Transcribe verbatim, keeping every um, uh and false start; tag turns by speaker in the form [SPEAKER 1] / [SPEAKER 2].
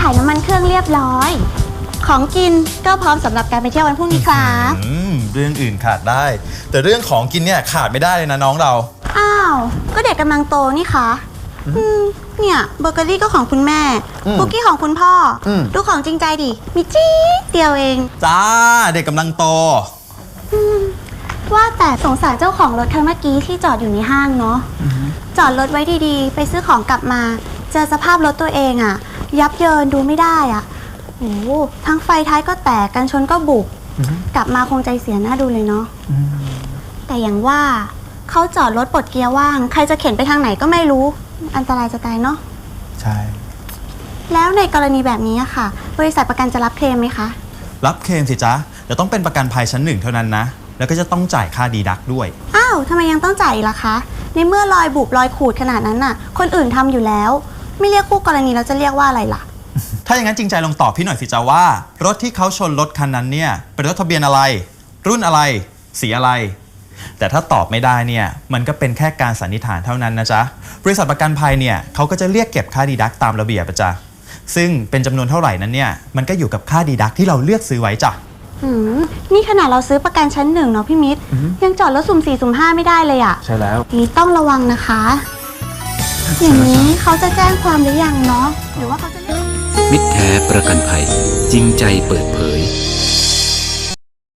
[SPEAKER 1] ถ่ายน้ำมันเครื่องเรียบร้อยของกินก็พร้อมสำหรับการไปเที่ยววันพรุ่งนี้ครับ
[SPEAKER 2] เรื่องอื่นขาดได้แต่เรื่องของกินเนี่ยขาดไม่ได้เลยนะน้องเรา
[SPEAKER 1] อ้าวก็เด็กกำลังโตนี่คะเนี่ยเบเกอรี่ก็ของคุณแม่คุกกี้ของคุณพ่อดูของจริงใจดิมีจี๊ดเดียวเอง
[SPEAKER 2] จ้าเด็กกำลังโต
[SPEAKER 1] ว่าแต่สงสารเจ้าของรถคันเมื่อกี้ที่จอดอยู่ในห้างเนาะจอดรถไว้ดีๆไปซื้อของกลับมาเจอสภาพรถตัวเองอะยับเยินดูไม่ได้อะโอ้ทั้งไฟท้ายก็แตกกันชนก็บุบกลับมาคงใจเสียหน้าดูเลยเนาะแต่อย่างว่าเขาจอดรถปลดเกียร์ว่างใครจะเข็นไปทางไหนก็ไม่รู้อันตรายจะตายเนาะ
[SPEAKER 2] ใช่
[SPEAKER 1] แล้วในกรณีแบบนี้ค่ะบริษัทประกันจะรับเคลมไหมคะ
[SPEAKER 2] รับเคลมสิจ๊ะแต่ต้องเป็นประกันภัยชั้นหนึ่งเท่านั้นนะแล้วก็จะต้องจ่ายค่าดีดักด้วย
[SPEAKER 1] อ้าวทำไมยังต้องจ่ายล่ะคะในเมื่อรอยบุบรอยขูดขนาดนั้นน่ะคนอื่นทำอยู่แล้วไม่เรียกคู่กรณีแล้วจะเรียกว่าอะไรล่ะ
[SPEAKER 2] ถ้าอย่างนั้นจริงใจลองตอบพี่หน่อยสิจ๊ะว่ารถที่เขาชนรถคันนั้นเนี่ยเป็นรถทะเบียนอะไรรุ่นอะไรสีอะไรแต่ถ้าตอบไม่ได้เนี่ยมันก็เป็นแค่การสันนิษฐานเท่านั้นนะจ๊ะบริษัทประกันภัยเนี่ยเขาก็จะเรียกเก็บค่าดีดักตามระเบียบจ้ะซึ่งเป็นจำนวนเท่าไหร่นั้นเนี่ยมันก็อยู่กับค่าดีดักที่เราเลือกซื้อไว้จ้ะ
[SPEAKER 1] นี่ขนาดเราซื้อประกันชั้นหนึ่งเนาะพี่มิตรยังจอดรถสุ่มสี่สุ่มห้าไม่ได้เลยอ่ะ
[SPEAKER 2] ใช่แล้ว
[SPEAKER 1] นี่ต้องระวังนะคะอย่างนี้เขาจะแจ้งความหรือยังเนาะหรือว่าเขาจะ
[SPEAKER 3] มิตรแท้ประกันภัยจริงใจเปิดเผย